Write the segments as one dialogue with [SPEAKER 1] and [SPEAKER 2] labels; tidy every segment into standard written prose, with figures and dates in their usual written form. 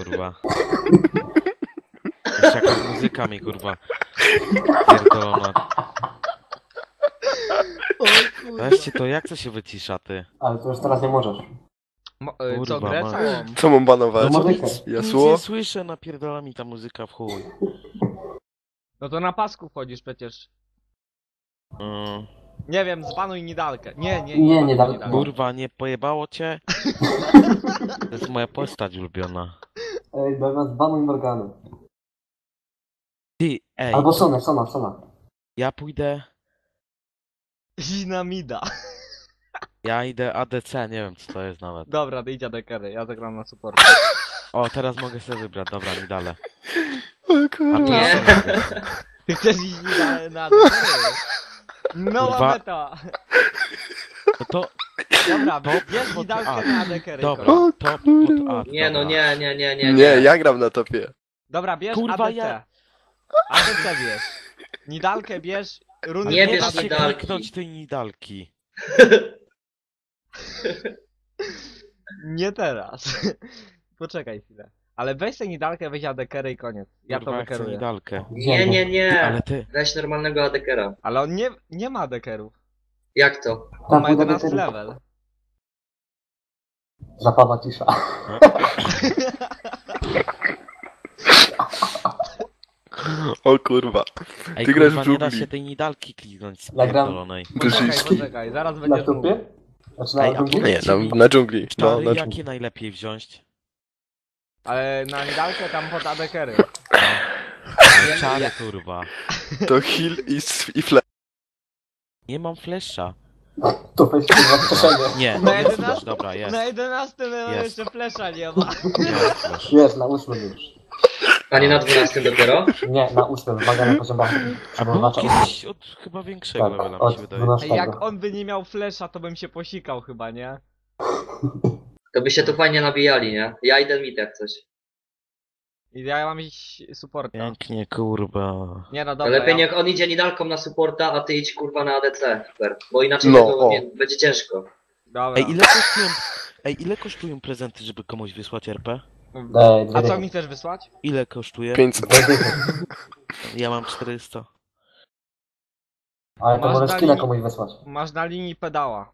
[SPEAKER 1] kurwa. Jeszcze jakaś muzyka mi, kurwa, pierdolona. Weźcie to, jak to się wycisza, ty?
[SPEAKER 2] Ale to już teraz nie możesz.
[SPEAKER 3] Co,
[SPEAKER 1] Kurwa,
[SPEAKER 3] grę
[SPEAKER 1] masz.
[SPEAKER 3] całą?
[SPEAKER 4] Co mam banować?
[SPEAKER 2] No muzykę.
[SPEAKER 1] Nic
[SPEAKER 4] Jasło?
[SPEAKER 1] nie słyszę, napierdala mi ta muzyka w chuj.
[SPEAKER 3] No to na pasku wchodzisz przecież. Nie wiem, zbanuj Nidalkę. Nie
[SPEAKER 2] Nie,
[SPEAKER 3] banuj
[SPEAKER 2] Nidalkę.
[SPEAKER 1] Kurwa, nie pojebało cię? To jest moja postać ulubiona.
[SPEAKER 2] Ej, zamiast banuj Morgany.
[SPEAKER 1] Ty, ej,
[SPEAKER 2] Albo Sona.
[SPEAKER 1] ja pójdę...
[SPEAKER 3] Zinamida.
[SPEAKER 1] Ja idę ADC, nie wiem co to jest nawet.
[SPEAKER 3] Dobra, idź Adekery, ja zagram na support.
[SPEAKER 1] O, teraz mogę sobie wybrać, dobra, mi dalej.
[SPEAKER 4] O
[SPEAKER 1] A
[SPEAKER 4] kurwa.
[SPEAKER 1] ty
[SPEAKER 5] Nie.
[SPEAKER 1] co robisz?
[SPEAKER 3] Ty chcesz iść na Adekery? No
[SPEAKER 1] Kurwa.
[SPEAKER 3] meta!
[SPEAKER 1] No to,
[SPEAKER 3] Dobra,
[SPEAKER 1] To
[SPEAKER 3] bierz
[SPEAKER 1] pod
[SPEAKER 3] Nidalkę
[SPEAKER 1] A.
[SPEAKER 3] na Adekery.
[SPEAKER 1] dobra,
[SPEAKER 3] koniec.
[SPEAKER 1] to pod A,
[SPEAKER 5] Nie no,
[SPEAKER 1] dobra.
[SPEAKER 5] nie.
[SPEAKER 4] Nie, ja gram na topie.
[SPEAKER 3] Dobra, bierz
[SPEAKER 1] Kurwa,
[SPEAKER 3] ADC.
[SPEAKER 1] ja-
[SPEAKER 3] ADC bierz. Nidalkę bierz, runy
[SPEAKER 5] Nie
[SPEAKER 1] Nie
[SPEAKER 5] bierz
[SPEAKER 1] da się
[SPEAKER 5] Nidalki.
[SPEAKER 1] kliknąć tej Nidalki.
[SPEAKER 3] Nie teraz. Poczekaj chwilę. Ale weź tę Nidalkę, weź Adekery i koniec. Ja to
[SPEAKER 1] Kurwa, chcę
[SPEAKER 3] wykeruję.
[SPEAKER 1] Nidalkę.
[SPEAKER 5] Nie.
[SPEAKER 1] Ale ty,
[SPEAKER 5] Weź normalnego Adekera.
[SPEAKER 3] Ale on nie ma Adekerów.
[SPEAKER 5] Jak to?
[SPEAKER 3] On ma
[SPEAKER 2] pójdę
[SPEAKER 3] 11
[SPEAKER 2] do
[SPEAKER 3] level.
[SPEAKER 2] Zapadła cisza.
[SPEAKER 4] O kurwa.
[SPEAKER 1] ej
[SPEAKER 4] Ty grasz
[SPEAKER 1] kurwa,
[SPEAKER 4] w
[SPEAKER 1] nie da
[SPEAKER 4] dżungli.
[SPEAKER 1] się tej Nidalki kliknąć z
[SPEAKER 2] Ja gram-
[SPEAKER 1] pierdolonej.
[SPEAKER 4] Brzyski.
[SPEAKER 3] Poczekaj, zaraz
[SPEAKER 2] Na
[SPEAKER 3] będziesz mówił.
[SPEAKER 2] tupie? Znaczy na
[SPEAKER 1] Ej, a
[SPEAKER 2] dżungli?
[SPEAKER 4] Nie, na dżungli. No,
[SPEAKER 1] Czary,
[SPEAKER 4] na dżungli.
[SPEAKER 1] jakie najlepiej wziąć?
[SPEAKER 3] Ale na Nidalkę tam pod Adekery.
[SPEAKER 1] Czary, kurwa.
[SPEAKER 4] To heal i flash.
[SPEAKER 1] Nie mam flesza.
[SPEAKER 2] To weź kurwa przeszenie.
[SPEAKER 1] Nie,
[SPEAKER 3] Na
[SPEAKER 1] jest
[SPEAKER 3] 11
[SPEAKER 1] flash, dobra, jest.
[SPEAKER 3] Na 11 level
[SPEAKER 1] Jest.
[SPEAKER 3] jeszcze flesza nie ma.
[SPEAKER 1] Jest flash.
[SPEAKER 2] Jest, na 8 już.
[SPEAKER 5] A nie na 12 dopiero?
[SPEAKER 2] Nie, na 8, wymaga na poziom bachny.
[SPEAKER 1] A był kiedyś od chyba większego
[SPEAKER 2] Tak,
[SPEAKER 1] levela, mi
[SPEAKER 2] od
[SPEAKER 1] się wydaje.
[SPEAKER 2] 12.
[SPEAKER 3] Ej, jak on by nie miał flesza, to bym się posikał chyba, nie?
[SPEAKER 5] To by się tu fajnie nabijali, nie? Ja idę mid jak coś.
[SPEAKER 3] I ja mam iść supporta.
[SPEAKER 1] Pięknie, kurwa.
[SPEAKER 3] Nie no
[SPEAKER 5] To
[SPEAKER 3] dobra,
[SPEAKER 5] lepiej niech on idzie Nidalką na supporta, a ty idź kurwa na ADC. Super. Bo inaczej
[SPEAKER 4] No,
[SPEAKER 5] tego
[SPEAKER 4] o.
[SPEAKER 5] będzie ciężko.
[SPEAKER 3] Dobra.
[SPEAKER 1] Ej, ile kosztują prezenty, żeby komuś wysłać RP?
[SPEAKER 3] A co mi chcesz wysłać?
[SPEAKER 1] Ile kosztuje?
[SPEAKER 4] 500.
[SPEAKER 1] Ja mam 400.
[SPEAKER 2] Ale to
[SPEAKER 3] Masz
[SPEAKER 2] możesz
[SPEAKER 3] na
[SPEAKER 2] skilla
[SPEAKER 3] linii-
[SPEAKER 2] komuś wysłać.
[SPEAKER 3] Masz na linii pedała.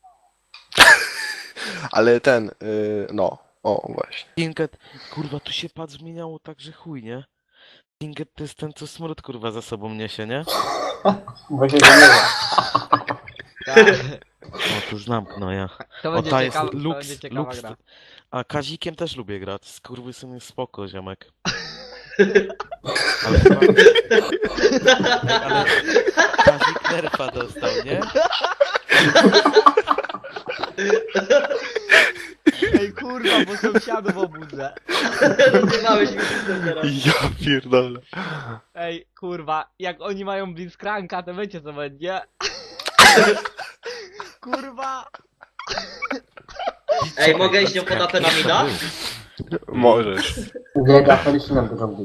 [SPEAKER 4] Ale ten, no. O, właśnie.
[SPEAKER 1] Tinket, kurwa, tu się pad zmieniało tak, że chuj, nie? Tinket to jest ten, co smród, kurwa, za sobą niesie, nie?
[SPEAKER 2] Bo się zmieniła.
[SPEAKER 3] Tak.
[SPEAKER 1] O, tu znam, no ja.
[SPEAKER 3] To
[SPEAKER 1] O,
[SPEAKER 3] będzie
[SPEAKER 1] ta jest
[SPEAKER 3] ciekawa, to
[SPEAKER 1] Lux,
[SPEAKER 3] będzie ciekawa
[SPEAKER 1] Lux.
[SPEAKER 3] gra.
[SPEAKER 1] A Kazikiem też lubię grać. Skurwysyn jest spoko, ziomek. Ale chyba... Ale Kazik nerfa dostał, nie?
[SPEAKER 3] Ej kurwa, bo sąsiadów obudzę.
[SPEAKER 5] Zjebałeś mi system teraz.
[SPEAKER 4] Ja pierdolę.
[SPEAKER 3] Ej kurwa, jak oni mają Blitzcranka, to wiecie co będzie? Kurwa.
[SPEAKER 5] Ej, mogę iść nią pod AP na mida?
[SPEAKER 4] Możesz.
[SPEAKER 2] Nie, da Felicinem do dżungli.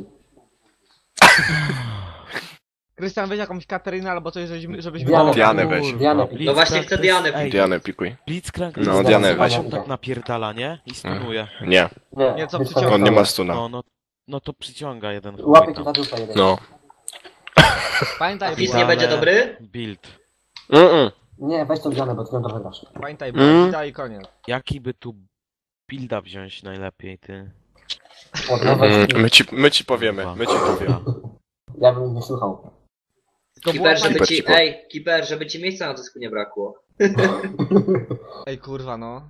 [SPEAKER 3] Krystian, weź jakąś Katarynę albo coś, żebyśmy...
[SPEAKER 2] Dianę.
[SPEAKER 4] Dianę weź.
[SPEAKER 1] Kurwa,
[SPEAKER 2] Dianę.
[SPEAKER 1] Blitzcrank
[SPEAKER 5] No właśnie
[SPEAKER 1] to
[SPEAKER 5] chcę
[SPEAKER 1] jest-
[SPEAKER 5] Dianę
[SPEAKER 1] ej,
[SPEAKER 4] Dianę pikuj.
[SPEAKER 1] Blitzcrank
[SPEAKER 4] No,
[SPEAKER 1] to jest
[SPEAKER 4] Dianę
[SPEAKER 1] ten,
[SPEAKER 4] weź.
[SPEAKER 1] co on tak napierdala, nie? I stunuje.
[SPEAKER 4] Nie,
[SPEAKER 3] Nie, co
[SPEAKER 2] wiesz
[SPEAKER 3] przyciąga?
[SPEAKER 4] on nie ma stuna.
[SPEAKER 1] No to przyciąga jeden
[SPEAKER 2] Łapie
[SPEAKER 1] chuj
[SPEAKER 2] ci
[SPEAKER 1] tam.
[SPEAKER 2] na dupę jeden.
[SPEAKER 4] No.
[SPEAKER 3] Pamiętaj,
[SPEAKER 5] Fizz
[SPEAKER 3] bo-
[SPEAKER 5] nie będzie dobry?
[SPEAKER 1] Build.
[SPEAKER 2] Nie, weź tą Dianę, bo ty ją dobrze grasz.
[SPEAKER 3] Pamiętaj, bo i koniec.
[SPEAKER 1] Jaki by tu builda wziąć najlepiej, ty?
[SPEAKER 2] Od nowej
[SPEAKER 4] My ci powiemy, my ci powiemy.
[SPEAKER 2] Ja bym nie słuchał.
[SPEAKER 3] To była
[SPEAKER 5] Kiper, żeby
[SPEAKER 4] Kiper
[SPEAKER 5] ci...
[SPEAKER 4] ci po-
[SPEAKER 5] Ej, Kiper, żeby ci miejsca na dysku nie brakło.
[SPEAKER 3] Ej kurwa no.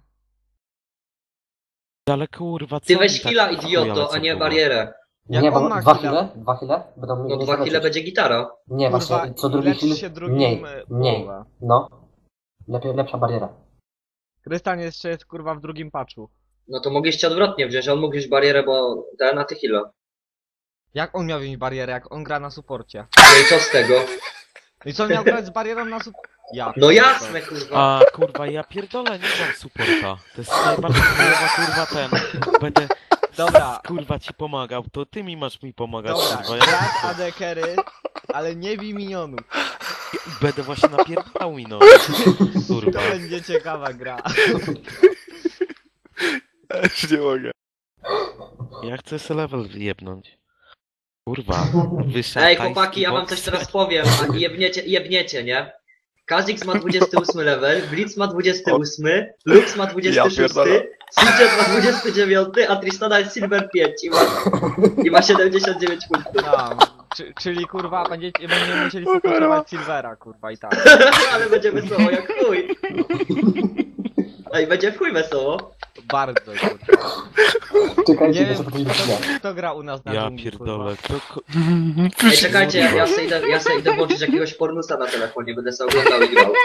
[SPEAKER 1] Ale kurwa, co
[SPEAKER 5] Ty
[SPEAKER 1] mi
[SPEAKER 5] weź
[SPEAKER 1] tak
[SPEAKER 5] heala,
[SPEAKER 1] w chuja
[SPEAKER 5] idioto,
[SPEAKER 1] lecą,
[SPEAKER 5] a nie
[SPEAKER 1] kurwa?
[SPEAKER 5] barierę.
[SPEAKER 3] Jak
[SPEAKER 2] Nie,
[SPEAKER 3] on
[SPEAKER 2] bo
[SPEAKER 3] ma
[SPEAKER 2] dwa
[SPEAKER 3] chwilę?
[SPEAKER 2] chwile? 2 chwile? Będą
[SPEAKER 5] No
[SPEAKER 2] mniej
[SPEAKER 5] 2 chwile będzie gitara.
[SPEAKER 2] Nie,
[SPEAKER 3] Kurwa,
[SPEAKER 2] właśnie, co drugi
[SPEAKER 3] leczy
[SPEAKER 2] chwil
[SPEAKER 3] się drugim,
[SPEAKER 2] mniej, mniej.
[SPEAKER 3] połowę.
[SPEAKER 2] No. Lepsza bariera.
[SPEAKER 3] Krystian jeszcze jest kurwa w drugim patchu.
[SPEAKER 5] No to mogliście odwrotnie wziąć, on mógł wziąć barierę, bo ten na ty heala.
[SPEAKER 3] Jak on miał wziąć barierę, jak on gra na suporcie?
[SPEAKER 5] No i co z tego?
[SPEAKER 3] No i co on miał grać z barierą na suporcie? Ja.
[SPEAKER 5] No jasne, kurwa.
[SPEAKER 1] A kurwa, ja pierdolę, nie mam supporta. To jest najbardziej chujowa, kurwa ten. Będę
[SPEAKER 3] Dobra.
[SPEAKER 1] kurwa ci pomagał, to ty mi masz mi pomagać,
[SPEAKER 3] Dobra,
[SPEAKER 1] kurwa.
[SPEAKER 3] grać AD carry, ale nie bij minionów.
[SPEAKER 1] Będę właśnie napierdalał mi no. Kurwa.
[SPEAKER 3] To będzie ciekawa gra.
[SPEAKER 4] Ja już nie mogę.
[SPEAKER 1] Ja chcę se level jebnąć. Kurwa, wyższa
[SPEAKER 5] Ej,
[SPEAKER 1] tajski
[SPEAKER 5] chłopaki, ja wam
[SPEAKER 1] boks.
[SPEAKER 5] coś teraz powiem, a jebniecie, nie? Kazix ma 28 level, Blitz ma 28, Lux ma 26,
[SPEAKER 4] pierdolę.
[SPEAKER 5] Sinjet ma 29, a Tristana jest Silver 5 i ma 79 punktów.
[SPEAKER 3] Czyli kurwa będziemy musieli fokusować Silvera, kurwa i tak.
[SPEAKER 5] Ale będzie wesoło jak chuj. Ej, będzie w chuj wesoło.
[SPEAKER 3] Bardzo, kurwa.
[SPEAKER 2] Czekajcie,
[SPEAKER 3] Nie
[SPEAKER 2] nie
[SPEAKER 3] wiem,
[SPEAKER 2] wiem, co
[SPEAKER 3] kto gra u nas na
[SPEAKER 1] Ja
[SPEAKER 3] dżungli,
[SPEAKER 1] pierdolę, to
[SPEAKER 5] Ej, czekajcie, ja sobie idę włączyć jakiegoś pornusa na telefonie, będę sobie oglądał i grał.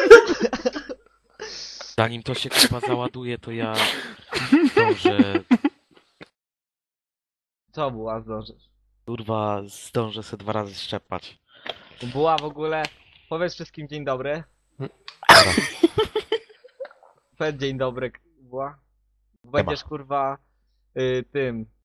[SPEAKER 1] zanim to się kurwa załaduje, to ja zdążę,
[SPEAKER 3] Co była, zdążysz?
[SPEAKER 1] kurwa, zdążę se 2 razy szczepać.
[SPEAKER 3] Była w ogóle... Powiedz wszystkim dzień dobry. Powiedz dzień dobry, była. Będziesz kurwa tym